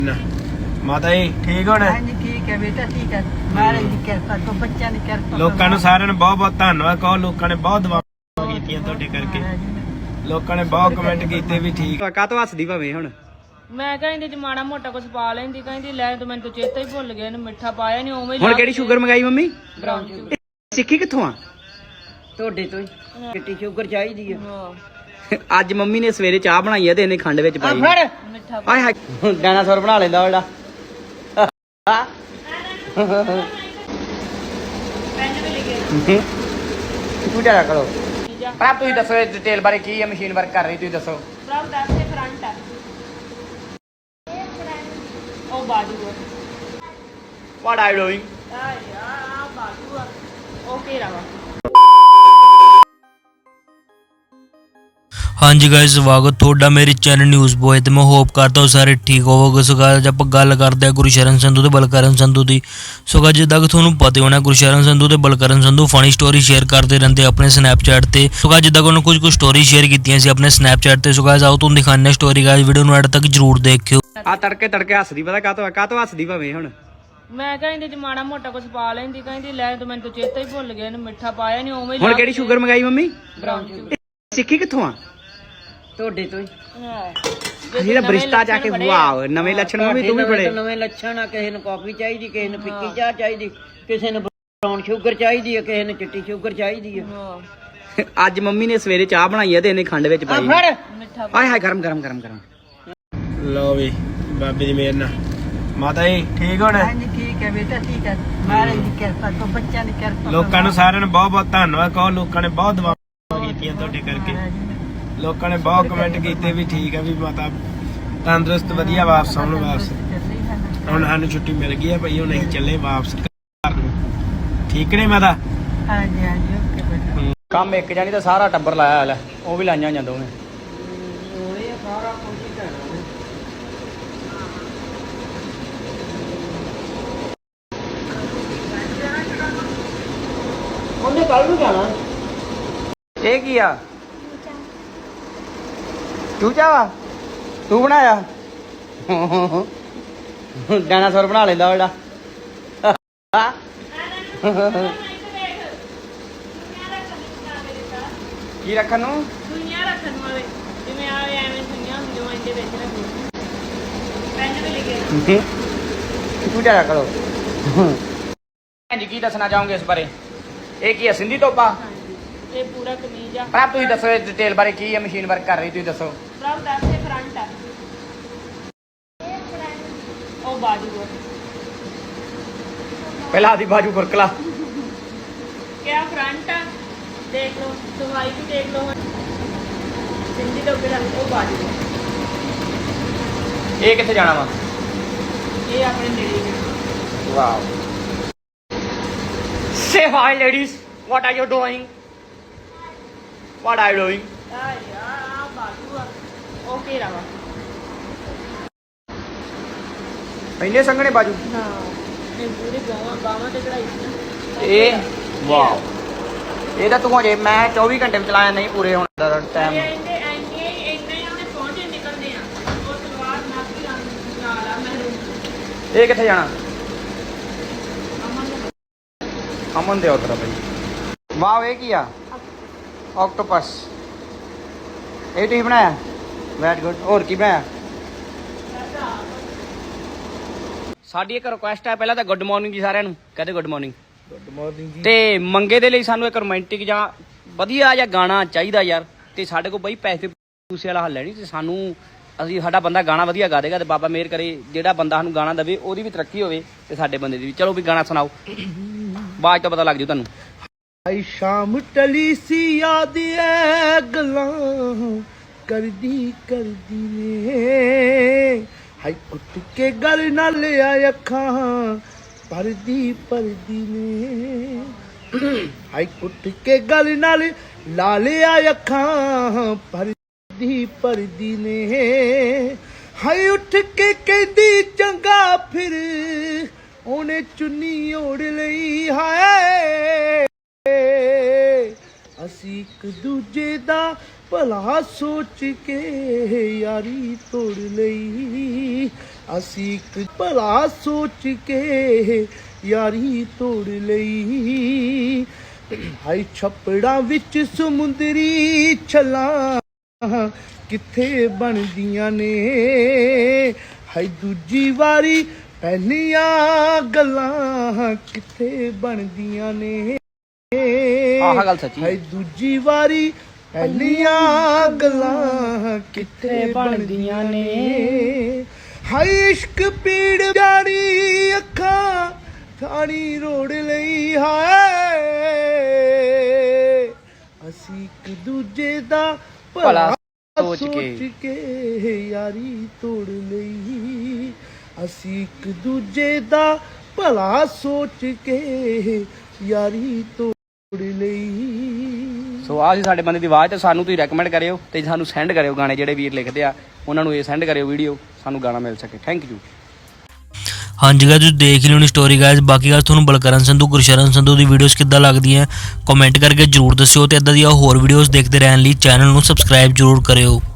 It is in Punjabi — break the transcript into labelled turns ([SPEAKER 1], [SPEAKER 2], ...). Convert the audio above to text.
[SPEAKER 1] ਮਾਤਾ ਜੀ ਠੀਕ ਹੋਣਾ?
[SPEAKER 2] ਹਾਂਜੀ ਠੀਕ ਹੈ ਬੇਟਾ, ਠੀਕ ਹੈ। ਮਹਾਰਾਜ ਦੀ ਕਿਰਪਾ ਤੋਂ ਬੱਚਿਆਂ ਦੀ ਕਿਰਪਾ।
[SPEAKER 1] ਲੋਕਾਂ ਨੂੰ ਸਾਰਿਆਂ ਨੂੰ ਬਹੁਤ ਬਹੁਤ ਧੰਨਵਾਦ ਕਹੋ। ਲੋਕਾਂ ਨੇ ਬਹੁਤ ਦੁਆਵਾਂ ਕੀਤੀਆਂ ਤੁਹਾਡੇ ਕਰਕੇ। ਲੋਕਾਂ ਨੇ ਬਹੁਤ ਕਮੈਂਟ ਕੀਤੇ ਵੀ ਠੀਕ।
[SPEAKER 3] ਕਾਹਤੋਂ ਹੱਸਦੀ ਭਾਵੇਂ ਹੁਣ?
[SPEAKER 4] ਮੈਂ ਕਹਿੰਦੀ ਜੇ ਮਾੜਾ ਮੋਟਾ ਕੁਝ ਪਾ ਲੈਂਦੀ, ਕਹਿੰਦੀ ਲੈ ਤੂੰ ਮੈਨੂੰ ਤਾਂ ਚੇਤਾ ਹੀ ਭੁੱਲ ਗਿਆ, ਇਹਨੂੰ ਮਿੱਠਾ ਪਾਇਆ ਨਹੀਂ ਉਵੇਂ।
[SPEAKER 3] ਹੁਣ ਕਿਹੜੀ ਸ਼ੂਗਰ ਮੰਗਾਈ ਮੰਮੀ?
[SPEAKER 4] Brown sugar.
[SPEAKER 3] ਸਿੱਖੀ ਕਿੱਥੋਂ ਆ?
[SPEAKER 2] ਤੁਹਾਡੇ ਤੋਂ ਹੀ ਚਿੱਟੀ ਸ਼ੂਗਰ ਚਾਹੀਦੀ ਹੈ।
[SPEAKER 3] ਅੱਜ ਮੰਮੀ ਨੇ ਸਵੇਰੇ ਚਾਹ ਬਣਾਈ ਆ ਤੇ ਇਹਨੇ ਖੰਡ ਵਿੱਚ ਪਾਈ।
[SPEAKER 4] ਮਿੱਠਾ
[SPEAKER 3] ਆਏ ਹਾਏ ਡਾਇਨਾਸੌਰ ਬਣਾ ਲੈਂਦਾ ਉਹਦਾ। ਤੂੰ ਜਾ ਕਰੋ ਪਰ ਤੁਸੀਂ ਦੱਸੋ ਡਿਟੇਲ ਬਾਰੇ ਕੀ ਹੈ, ਮਸ਼ੀਨ ਵਰਕ ਕਰ ਰਹੀ ਤੁਸੀਂ ਦੱਸੋ।
[SPEAKER 4] ਪ੍ਰਭ ਦੱਸ ਤੇ ਫਰੰਟ ਆ ਉਹ ਬਾਜੂ ਆ।
[SPEAKER 3] What are you doing?
[SPEAKER 4] ਆ ਯਾਰ ਬਾਜੂ ਆ ਉਹ ਘੇਰਾ ਵਾ।
[SPEAKER 5] ਹਾਂਜੀ ਗਾਇਸ, ਸਵਾਗਤ ਤੁਹਾਡਾ ਮੇਰੇ ਚੈਨਲ ਨਿਊਜ਼ ਬੋਏ ਤੇ ਮੈਂ ਹੋਪ ਕਰਦਾ ਹਾਂ ਸਾਰੇ ਠੀਕ ਹੋਵੋਗੇ। ਸੋ ਗਾਇਸ ਆਪਾਂ ਗੱਲ ਕਰਦੇ ਹਾਂ ਗੁਰਸ਼ਰਨ ਸੰਧੂ ਤੇ ਬਲਕਰਨ ਸੰਧੂ ਦੀ। ਸੋ ਗਾਇਸ ਜਿੱਦਾਂ ਕਿ ਤੁਹਾਨੂੰ ਪਤਾ ਹੋਣਾ ਗੁਰਸ਼ਰਨ ਸੰਧੂ ਤੇ Balkaran Sandhu funny story share ਕਰਦੇ ਰਹਿੰਦੇ ਆਪਣੇ ਸਨੈਪਚੈਟ ਤੇ। ਸੋ ਗਾਇਸ ਜਿੱਦਾਂ ਕਿ ਉਹਨਾਂ ਕੁਝ ਸਟੋਰੀ ਸ਼ੇਅਰ ਕੀਤੀਆਂ ਸੀ ਆਪਣੇ ਸਨੈਪਚੈਟ ਤੇ। ਸੋ ਗਾਇਸ ਆਓ ਤੁਹਾਨੂੰ ਦਿਖਾਉਂਦੇ ਹਾਂ ਸਟੋਰੀ। ਗਾਇਸ ਵੀਡੀਓ ਨੂੰ ਐਡ ਤੱਕ ਜਰੂਰ ਦੇਖਿਓ।
[SPEAKER 3] ਆ ਤੜਕੇ ਤੜਕੇ ਹੱਸਦੀ ਪਤਾ ਕਾਹਤੋਂ ਹੱਸਦੀ ਭਾਵੇਂ ਹੁਣ?
[SPEAKER 4] ਮੈਂ ਕਹਿੰਦੀ ਜੇ ਮਾੜਾ ਮੋਟਾ ਕੁਝ ਪਾ ਲੈਂਦੀ, ਕਹਿੰਦੀ ਲੈ ਤੂੰ ਮੈਨੂੰ ਤਾਂ ਚੇਤਾ ਹੀ ਭੁੱਲ ਗਿਆ, ਇਹਨੂੰ ਮਿੱਠਾ ਪਾਇਆ ਨਹੀਂ ਉਵੇਂ।
[SPEAKER 3] ਹੁਣ ਕਿਹੜੀ ਸ਼ੂਗਰ ਮੰਗਾਈ ਮੰਮੀ?
[SPEAKER 4] Brown sugar.
[SPEAKER 3] ਸਿੱਖੀ ਕਿੱਥੋਂ ਆ?
[SPEAKER 2] ਤੁਹਾਡੇ ਤੋਂ ਹੀ।
[SPEAKER 3] ਜਿਹੜਾ ਬਰਿਸ਼ਤਾ ਜਾ ਕੇ ਵਾਓ ਨਵੇਂ ਲੱਛਣ ਮੰਮੀ ਤੂੰ ਵੀ ਬੜੇ
[SPEAKER 2] ਨਵੇਂ ਲੱਛਣ ਆ। ਕਿਸੇ ਨੂੰ ਕਾਫੀ ਚਾਹੀਦੀ, ਕਿਸੇ ਨੂੰ ਫਿੱਕੀ ਚਾਹ ਚਾਹੀਦੀ, ਕਿਸੇ ਨੂੰ ਬਰਾਊਨ ਸ਼ੂਗਰ ਚਾਹੀਦੀ ਹੈ, ਕਿਸੇ ਨੂੰ ਚਿੱਟੀ ਸ਼ੂਗਰ ਚਾਹੀਦੀ ਹੈ।
[SPEAKER 3] ਅੱਜ ਮੰਮੀ ਨੇ ਸਵੇਰੇ ਚਾਹ ਬਣਾਈ ਆ ਤੇ ਇਹਨੇ ਖੰਡ ਵਿੱਚ ਪਾਈ।
[SPEAKER 4] ਮਿੱਠਾ
[SPEAKER 3] ਆਏ ਹਾਏ ਗਰਮ ਗਰਮ ਗਰਮ ਗਰਮ।
[SPEAKER 1] ਲਓ ਵੀ ਬਾਬੇ ਦੀ ਮਿਹਰ ਨਾਲ। ਮਾਤਾ ਜੀ ਠੀਕ ਹੋਣਾ?
[SPEAKER 2] ਹਾਂਜੀ ਠੀਕ ਹੈ ਬੇਟਾ, ਠੀਕ ਹੈ। ਮਹਾਰਾਜ ਦੀ ਕਿਰਪਾ ਤੋਂ ਬੱਚਿਆਂ ਦੀ ਕਿਰਪਾ।
[SPEAKER 1] ਲੋਕਾਂ ਨੂੰ ਸਾਰਿਆਂ ਨੂੰ ਬਹੁਤ ਬਹੁਤ ਧੰਨਵਾਦ ਕਹੋ। ਲੋਕਾਂ ਨੇ ਬਹੁਤ ਦੁਆਵਾਂ ਕੀਤੀਆਂ ਤੁਹਾਡੇ ਕਰਕੇ। ਲੋਕਾਂ ਨੇ ਬਹੁਤ ਕਮੈਂਟ ਕੀਤੇ ਵੀ ਠੀਕ ਹੈ ਵੀ ਮਾਤਾ ਤੰਦਰੁਸਤ ਵਧੀਆ ਵਾਪਸ ਆਉਣ। ਵਾਪਸ ਹੁਣ ਸਾਨੂੰ ਛੁੱਟੀ ਮਿਲ ਗਈ ਹੈ ਭਾਈ, ਹੁਣ ਅਸੀਂ ਚੱਲੇ ਵਾਪਸ ਘਰ ਨੂੰ। ਠੀਕ ਨੇ ਮਾਤਾ?
[SPEAKER 2] ਹਾਂਜੀ ਹਾਂਜੀ ਓਕੇ ਬੇਟਾ।
[SPEAKER 3] ਕੰਮ ਇੱਕ ਜਾਨੀ ਤਾਂ ਸਾਰਾ ਟੱਬਰ ਲਾਇਆ ਲੈ, ਉਹ ਵੀ ਲਾਈਆਂ ਜਾਂਦਾ ਉਹਨੇ।
[SPEAKER 2] ਸਾਰਾ ਕੁਝ ਹੀ ਕਰਨਾ ਉਹਨੇ ਕੱਲ ਨੂੰ ਜਾਣਾ।
[SPEAKER 3] ਇਹ ਕੀ ਆ? ਚੂਚਾ ਵਾ? ਤੂੰ ਬਣਾਇਆ? ਡਾਇਨਾਸੌਰ ਬਣਾ ਲੈਂਦਾ ਉਹਦਾ। ਕੀ ਰੱਖਣ ਨੂੰ?
[SPEAKER 4] ਦੁਨੀਆ ਰੱਖਣ ਵਾਲੇ ਜਿਵੇਂ ਆ ਐਵੇਂ ਦੁਨੀਆ ਹੁੰਦੀ ਉਹ ਇਹਦੇ ਵਿੱਚ ਰੱਖੋ। ਪੈਨ ਤੇ ਲਿਖੇ
[SPEAKER 3] ਤੂੰ ਜਾ ਕਰੋ। ਹਾਂਜੀ ਕੀ ਦੱਸਣਾ ਚਾਹੋਗੇ ਇਸ ਬਾਰੇ? ਇਹ ਕੀ ਹੈ, ਸਿੰਧੀ ਟੋਪਾ?
[SPEAKER 4] ਇਹ ਪੂਰਾ ਕਮੀਜ਼ ਆ।
[SPEAKER 3] ਪਰ ਤੁਸੀਂ ਦੱਸੋ ਡਿਟੇਲ ਬਾਰੇ ਕੀ ਹੈ, ਮਸ਼ੀਨ ਵਰਕ ਕਰ ਰਹੀ ਤੁਸੀਂ ਦੱਸੋ।
[SPEAKER 4] ਪ੍ਰਭ ਦੱਸ ਤੇ ਫਰੰਟ ਆ ਉਹ ਬਾਜੂ ਆ।
[SPEAKER 3] ਪਹਿਲਾਂ ਆਦੀ ਬਾਜੂ ਫੁਰਕਲਾ।
[SPEAKER 4] ਕਿਆ ਫਰੰਟ ਆ ਦੇਖ ਲਓ, ਦਵਾਈ ਵੀ ਦੇਖ ਲਓ। ਸਿੰਧੀ ਤੋਂ ਬਿਨਾਂ ਉਹ ਬਾਜੂ ਆ।
[SPEAKER 3] ਇਹ ਕਿੱਥੇ ਜਾਣਾ ਵਾ?
[SPEAKER 4] ਇਹ ਆਪਣੇ ਨੇੜੇ ਹੀ ਆ।
[SPEAKER 3] Wow. Say hi ladies, what are you doing? What are you doing?
[SPEAKER 4] ਆ ਯਾਰ ਬਾਜੂ ਆ ਉਹ ਘੇਰਾ ਵਾ।
[SPEAKER 3] ਇੰਨੇ ਸੰਘਣੇ ਬਾਜੂ।
[SPEAKER 4] ਹਾਂ ਇਹ ਪੂਰੀ ਬਾਹਾਂ ਤੇ ਕਢਾਈ ਸੀ।
[SPEAKER 3] ਇਹ ਵਾਓ। ਇਹ ਤਾਂ ਤੂੰ ਹਜੇ ਮੈਂ 24 ਘੰਟੇ ਵਿੱਚ ਚਲਾਇਆ ਨਹੀਂ ਪੂਰੇ ਹੁਣ ਦਾ ਟਾਈਮ।
[SPEAKER 4] ਇੰਨੇ ਉਹਨੇ ਪਹੁੰਚੇ ਨਿਕਲਦੇ ਆ। ਉਹ ਸਲਵਾਰ ਨਾਕੀ ਰੰਗ ਨਾਲ ਆ ਮਹਿਰੂਨ।
[SPEAKER 3] ਇਹ ਕਿੱਥੇ ਜਾਣਾ?
[SPEAKER 4] ਅਮਨ ਨੂੰ
[SPEAKER 3] ਅਮਨ ਦੇ ਆਰਡਰ ਆ ਭਾਈ। ਵਾਓ ਇਹ ਕੀ ਆ? ਆਕਟੋਪਸ। ਇਹ ਤੁਸੀਂ ਬਣਾਇਆ? Very good. ਹੋਰ ਕੀ ਬਣਾਇਆ? ਸਾਡੀ ਇੱਕ ਰਿਕੁਐਸਟ ਹੈ, ਪਹਿਲਾਂ ਤਾਂ ਗੁੱਡ ਮਾਰਨਿੰਗ ਜੀ ਸਾਰਿਆਂ ਨੂੰ। ਕਹਦੇ ਗੁੱਡ ਮਾਰਨਿੰਗ।
[SPEAKER 1] ਗੁੱਡ ਮਾਰਨਿੰਗ ਜੀ।
[SPEAKER 3] ਤੇ ਮੰਗੇ ਦੇ ਲਈ ਸਾਨੂੰ ਇੱਕ ਰੋਮਾਂਟਿਕ ਜਾਂ ਵਧੀਆ ਜਿਹਾ ਗਾਣਾ ਚਾਹੀਦਾ ਯਾਰ। ਤੇ ਸਾਡੇ ਕੋਲ ਬਈ ਪੈਸੇ ਪੂਸੇ ਵਾਲਾ ਹੱਲ ਹੈ ਨਹੀਂ। ਤੇ ਸਾਨੂੰ ਸਾਡਾ ਬੰਦਾ ਗਾਣਾ ਵਧੀਆ ਗਾ ਦੇਗਾ ਤੇ ਬਾਬਾ ਮਿਹਰ ਕਰੇ ਜਿਹੜਾ ਬੰਦਾ ਸਾਨੂੰ ਗਾਣਾ ਦੇਵੇ ਉਹਦੀ ਵੀ ਤਰੱਕੀ ਹੋਵੇ ਤੇ ਸਾਡੇ ਬੰਦੇ ਦੀ ਵੀ। ਚਲੋ ਵੀ ਗਾਣਾ ਸੁਣਾਓ, ਆਵਾਜ਼ ਤੋਂ ਪਤਾ ਲੱਗ ਜੂ ਤੁਹਾਨੂੰ।
[SPEAKER 1] ਆਈ ਸ਼ਾਮ ਟਲੀ ਸੀ ਯਾਦ ਐ ਗੱਲਾਂ ਕਰਦੀ ਕਰਦੀ ਨੇ। ਹਾਈ ਉੱਠ ਕੇ ਗੱਲ ਨਾਲ ਆ ਅੱਖਾਂ ਪਰਦੀ ਪਰਦੀ ਨੇ। ਹਾਈ ਉੱਠ ਕੇ ਗੱਲ ਨਾਲ ਲਾ ਲਿਆ ਅੱਖਾਂ ਪਰਦੀ ਪਰਦੀ ਨੇ। ਹਾਈ ਉੱਠ ਕੇ ਕਹਿੰਦੀ ਚੰਗਾ ਫਿਰ ਉਹਨੇ ਚੁੰਨੀ ਓੜ ਲਈ। ਹਾਏ ਅਸੀਂ ਇੱਕ ਦੂਜੇ ਦਾ ਭਲਾ ਸੋਚ ਕੇ ਯਾਰੀ ਤੋੜ ਲਈ। ਅਸੀਂ ਇੱਕ ਭਲਾ ਸੋਚ ਕੇ ਯਾਰੀ ਤੋੜ ਲਈ। ਹਾਈ ਛੱਪੜਾਂ ਵਿੱਚ ਸਮੁੰਦਰੀ ਛੱਲਾਂ ਕਿੱਥੇ ਬਣਦੀਆਂ ਨੇ, ਹਾਈ ਦੂਜੀ ਵਾਰੀ ਪਹਿਲੀਆਂ ਗੱਲਾਂ ਕਿੱਥੇ ਬਣਦੀਆਂ ਨੇ।
[SPEAKER 3] ਆਹ ਗੱਲ ਸੱਚੀ
[SPEAKER 1] ਹਾਈ ਦੂਜੀ ਵਾਰੀ ਪਹਿਲੀਆਂ ਗੱਲਾਂ ਕਿੱਥੇ ਬਣਦੀਆਂ ਨੇ। ਹਾਈ ਇਸ਼ਕ ਪੀੜ ਜਾਣੀ ਅੱਖਾਂ ਥਾਣੀ ਰੋੜ ਲਈ। ਹਾਏ ਅਸੀਂ ਇੱਕ ਦੂਜੇ ਦਾ ਭਲਾ ਸੋਚ ਕੇ ਯਾਰੀ ਤੋੜ ਲਈ। ਅਸੀਂ ਇੱਕ ਦੂਜੇ ਦਾ ਭਲਾ ਸੋਚ ਕੇ ਯਾਰੀ ਤੋੜ ਲਈ।
[SPEAKER 3] ਸੋ ਆਹ ਸੀ ਸਾਡੇ ਬੰਦੇ ਦੀ ਆਵਾਜ਼, ਤੇ ਸਾਨੂੰ ਤੁਸੀਂ ਰეკਮੈਂਡ ਕਰਿਓ ਤੇ ਸਾਨੂੰ ਸੈਂਡ ਕਰਿਓ ਗਾਣੇ ਜਿਹੜੇ ਵੀਰ ਲਿਖਦੇ ਆ, ਉਹਨਾਂ ਨੂੰ ਇਹ ਸੈਂਡ ਕਰਿਓ ਵੀਡੀਓ, ਸਾਨੂੰ ਗਾਣਾ ਮਿਲ ਸਕੇ। Thank you.
[SPEAKER 5] ਹਾਂਜੀ ਗਾਇਸ ਤੁਸੀਂ ਦੇਖ ਲਿਓ ਨੀ ਸਟੋਰੀ ਗਾਇਸ। ਬਾਕੀ ਗੱਲ ਤੁਹਾਨੂੰ ਬਲਕਰਨ ਸੰਧੂ ਗੁਰਸ਼ਰਨ ਸੰਧੂ ਦੀ ਵੀਡੀਓਜ਼ ਕਿੱਦਾਂ ਲੱਗਦੀਆਂ ਕਮੈਂਟ ਕਰਕੇ ਜਰੂਰ ਦੱਸਿਓ, ਤੇ ਇਦਾਂ ਦੀਆਂ ਹੋਰ ਵੀਡੀਓਜ਼ ਦੇਖਦੇ ਰਹਿਣ ਲਈ ਚੈਨਲ ਨੂੰ ਸਬਸਕ੍ਰਾਈਬ ਜਰੂਰ ਕਰਿਓ।